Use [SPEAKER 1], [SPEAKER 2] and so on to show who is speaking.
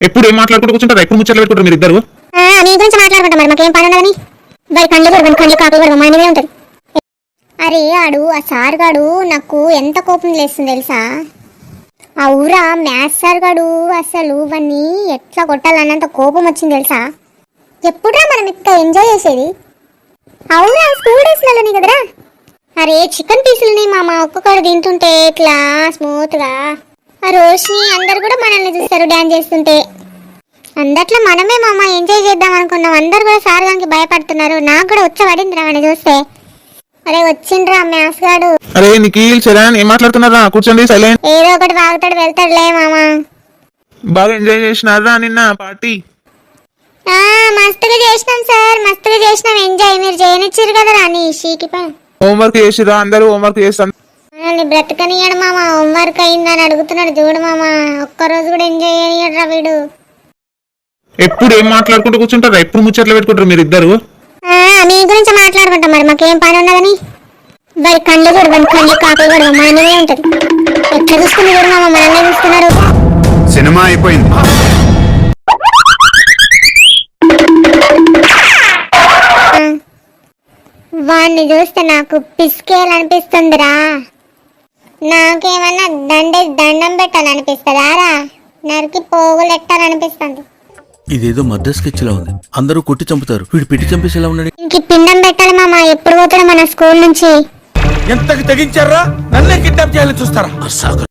[SPEAKER 1] ఎప్పుడు ఏం మాట్లాడుకుంటూ కూర్చుంటారు? ఎప్పుడు ముచ్చట్లు పెట్టుకుంటారు మీరు ఇద్దరు?
[SPEAKER 2] నీ గురించి మాట్లాడుకుంటాం మరి, మాకేం పని ఉండదని. వాడి కళ్ళు కూడా కళ్ళు కాపీ కూడా మనమే ఉంటుంది. అరే ఆ సార్ గాడు నాకు ఎంత కోపం లేస్తుంది తెలుసా? ఆ ఊరా మ్యాథ్స్ సార్ గాడు అసలు వాడిని ఎట్లా కొట్టాలన్నంత కోపం వచ్చింది తెలుసా? ఎప్పుడురా మనం ఇంకా ఎంజాయ్ చేసేది? అవునా స్కూల్ డేస్లలోనే కదరా. అరే చికెన్ పీసులని మామ ఒక్కొక్కరు తింటుంటే ఇట్లా స్మూత్గా, ఆ రోషిని అందరు కూడా మనల్ని చూస్తారు డ్యాన్స్ చేస్తుంటే. అందట్లో మనమే మామ ఎంజాయ్ చేద్దాం అనుకున్నాం. అందరు కూడా సార్ గానికి భయపడుతున్నారు. నాకు కూడా వచ్చబడిందిరా అని చూస్తే. అరే వచ్చిండ్రా మ్యాథ్స్ గాడు.
[SPEAKER 1] అరే నిఖిల్ చరణ్ ఏం మాట్లాడుతున్నారా? కూర్చోండి సైలెంట్.
[SPEAKER 2] ఏదో ఒకటి వాగుతాడు వెళ్తాడులే మామ.
[SPEAKER 1] బాగా ఎంజాయ్ చేసినారా నిన్న పార్టీ?
[SPEAKER 2] మస్తుగా చేసినాం సార్, మస్తుగా చేసినాం ఎంజాయ్. మీరు చేయనిచ్చారు కదా రాని షీకి
[SPEAKER 1] హోంవర్క్ చేసిరా? అందరూ హోంవర్క్ చేస్తాను.
[SPEAKER 2] మనల్ని బ్రతకనియడు మామ. హోంవర్క్ అయిందని అడుగుతున్నాడు చూడు మామ. ఒక్కరోజు కూడా ఎంజాయ్ చేయనియడురా వీడు.
[SPEAKER 1] ఎప్పుడు ఏం మాట్లాడుకుంటూ కూర్చుంటారు? ఎప్పుడు ముచ్చట్లు పెట్టుకుంటారు మీరు ఇద్దరు?
[SPEAKER 2] మీ గురించి మాట్లాడుకుంటాం మరి, మాకేం పని ఉన్నదని. వాడి కళ్ళు కూడా కళ్ళు కాపీ కూడా మనమే ఉంటది. ఎట్లా చూసుకుని కూడా మామ మనల్ని చూస్తున్నారు.
[SPEAKER 3] సినిమా అయిపోయింది.
[SPEAKER 2] వాడిని చూస్తే నాకు పిసికేయాలనిపిస్తుందిరా. నాకేమన్నా దండం పెట్టాలనిపిస్తుందా రా? నరికి పోగులు ఎట్టాలనిపిస్తుంది.
[SPEAKER 4] ఇదేదో మద్ర స్కెచ్ లా ఉంది. అందరూ కొట్టి చంపుతారు, వీడు పెట్టి చంపేసేలా ఉన్నాడు.
[SPEAKER 2] ఇంక పిండం పెట్టాలి మామ. ఎప్పుడు పోతాడు మన స్కూల్ నుంచి?
[SPEAKER 4] ఎంతకి తెగించారా? నన్నే కిడ్నాప్ చేయాలని చూస్తారా?